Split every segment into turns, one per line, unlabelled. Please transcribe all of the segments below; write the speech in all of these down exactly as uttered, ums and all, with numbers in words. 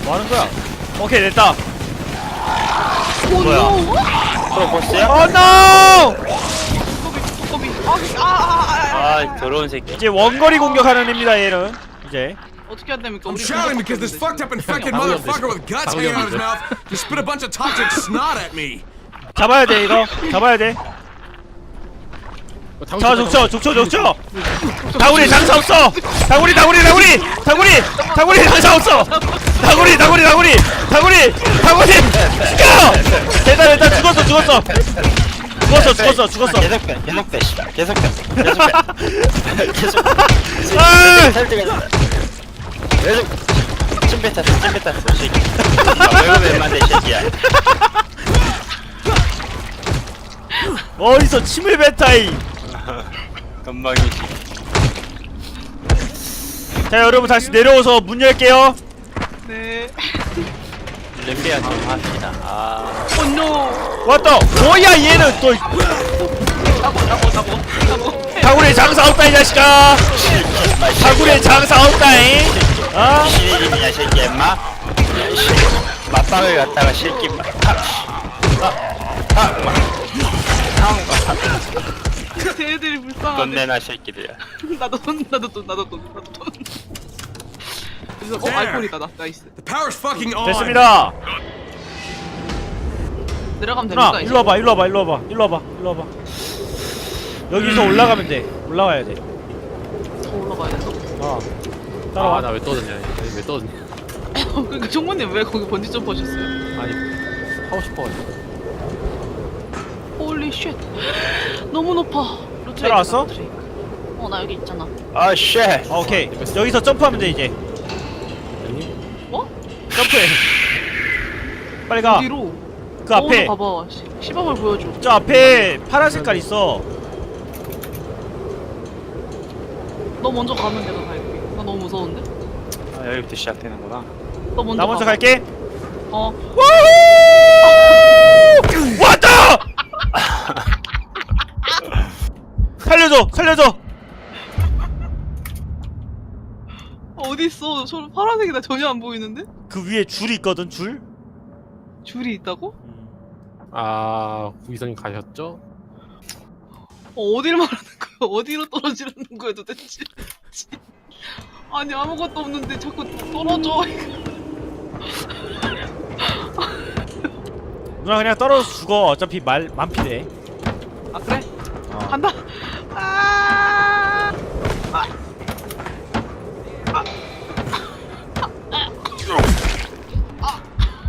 뭐 하는 거야? 오케이 됐다.
뭐야?
프로 보스야?
어 노!
두꺼비 두꺼비 아아아아
아 더러운 새끼.
이제 원거리 공격하는 애입니다 얘는. 이제
어떻게 해야 됩니까?
I'm
우리
shouting because this fucked up infected motherfucker with guts hanging out of his mouth just spit a bunch of toxic snot at me.
잡아야 돼 이거. 잡아야 돼. 자 족쳐 족쳐 족쳐. 다구리 장사 없어. 다구리 다구리 다구리 다구리 다구리 장사 없어. 다구리 다구리 다구리 다구리 다구리 죽여. 됐다 됐다 죽었어 죽었어 죽었어 죽었어 죽었어.
계속 빼 계속 빼 씨. 계속 빼 계속 빼 계속
아!
설득해서 계속 찜 뱉었어 찜 뱉었어 새끼. 아 왜 그래 만데 새끼야.
어디서 침을 뱉다이.
건방이지.
자 여러분 다시 내려오서 문 열게요.
네.
렘비아 좀 합시다. 아
오노.
왔다. 뭐야 얘는 또.
나고 나고 나고 나고.
다구리 장사 없다 이 자식아. 다구리 장사 없다잉. 어?
신이름이야 새끼 임마. 맞방을 갖다가 새끼 막
쟤들이
돈
불쌍하네.
내놔 새끼들야.
나도 돈 나도 돈 나도 돈 나도 돈. 그래서 어 아이폰이다 나 나이스.
The power's fucking on.
됐습니다.
내려가면
누나
됩니까?
일로 와봐 일로 와봐 일로 와봐 일로 와봐 일로 와봐. 여기서 올라가면 돼. 올라가야 돼.
더 올라가야 돼.
어. 따라와.
아 나 왜 떠드냐? 아니 왜 떠드냐?
그러니까 종모님 왜 거기 번지 점프 하셨어요?
아니 하고 싶어가지고.
홀리 쉣. 너무 높아.
따라왔어?
어나 여기 있잖아.
아 쉣.
어, 오케이. 여기서 점프하면 돼 이제.
뭐?
점프해. 빨리 가.
어디로?
그 앞에.
어, 봐봐. 시, 시범을 보여줘.
저 앞에 파란 색깔 있어.
너 먼저 가면 내가 갈게. 나 너무 무서운데?
아 여기부터 시작되는구나.
너 먼저
나 먼저
가봐.
갈게.
어.
왔다! 살려줘, 살려줘.
어디 있어? 저 파란색이 나 전혀 안 보이는데?
그 위에 줄이 있거든, 줄.
줄이 있다고?
아 구이선님 가셨죠?
어, 어디를 말하는 거야? 어디로 떨어지라는 거야 도대체? 아니 아무것도 없는데 자꾸 떨어져.
누나 그냥 떨어져 죽어. 어차피 말 만피돼.
아 그래?
어.
간다. 아. 아. 아. 아.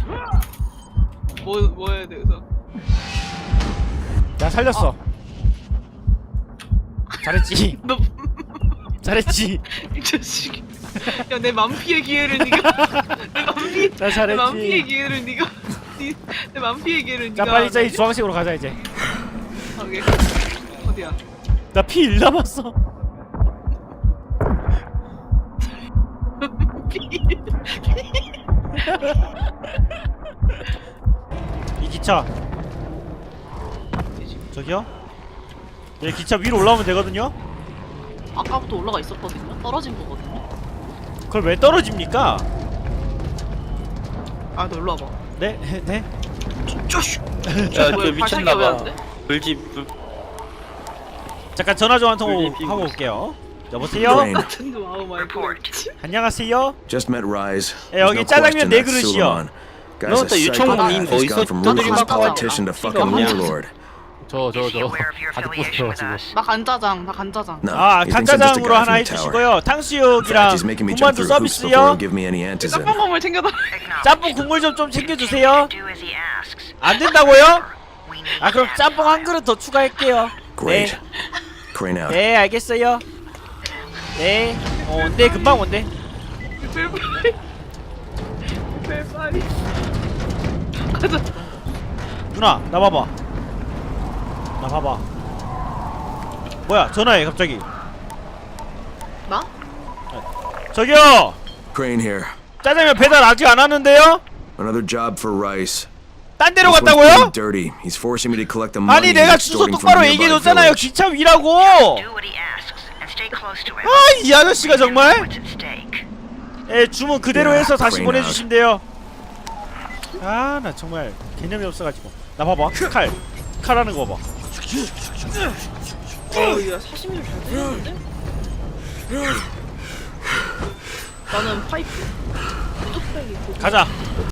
뭐, 뭐 해야 돼, 그래서?
나 살렸어. 잘했지.
너,
잘했지.
이 자식. 야, 내 만피의 기회를 니가. 내 만피,
나 잘했지.
내 만피의 기회를 니가. 니, 내 만피의 기회를 니가.
자 빨리 저기 주황색으로 가자 이제.
오케이. 어디야?
나 피 일 남았어. 이 기차. 저기요? 네 기차 위로 올라오면 되거든요?
아까부터 올라가 있었거든요? 떨어진 거거든요?
그걸 왜 떨어집니까?
아, 너 일로 와봐.
네? 네?
야저
뭐야, 발차기가 왜
미쳤나봐.
안 돼?
불집 불.
잠깐 전화 좀 한 통
불리핑.
하고 올게요. 여보세요?
Rain.
같은 거 아우 마이 갓.
안녕하세요?
Just met Rise.
예, 여기
There's no
짜장면
question
네
that's
그릇이요.
Suleiman. Guy's
너
a
또 유청님
psychopath. He's
어디서
gone from
두드려
ruthless
맞고
politician to fucking
이거
warlord.
저 저 저 아직 보세요 지금.
나 간짜장, 나 간짜장.
No,
아
he thinks I'm just a
간짜장으로
guy
하나
from the tower.
해주시고요.
In fact,
탕수육이랑
he's making me
군만두
jump through hoops before
서비스요.
he'll give me any answers in.
짬뽕 국물 챙겨달라.
짬뽕 국물 좀 좀 챙겨주세요. 안 된다고요? 아 그럼 짬뽕 한 그릇 더 추가할게요.
Great. Crane out.
네 알겠어요. 네. 어, 온대 금방 온대.
빨리. 빨리. 가자.
누나 나 봐봐. 나 봐봐. 뭐야 전화해 갑자기.
나?
저기요.
Crane here.
짜장면 배달 아직 안 왔는데요?
Another job for Rice.
딴 데로
This one's
갔다고요?
pretty dirty. He's forcing me to collect the money
아니 내가
he's
주소
extorting from
똑바로
nearby
얘기해줬잖아요.
village.
기차 위라고.
Do what he asks and stay close to him.
아 이 아저씨가 정말.
What's at stake?
예, 주문 그대로 해서 다시 보내주시면 돼요. 아, 나 정말 개념이 없어가지고. 나 봐봐, 칼, 칼 하는 거 봐.
어야 사시미를 잘 때리는데? 나는 파이프 뚝배기 그거.
가자.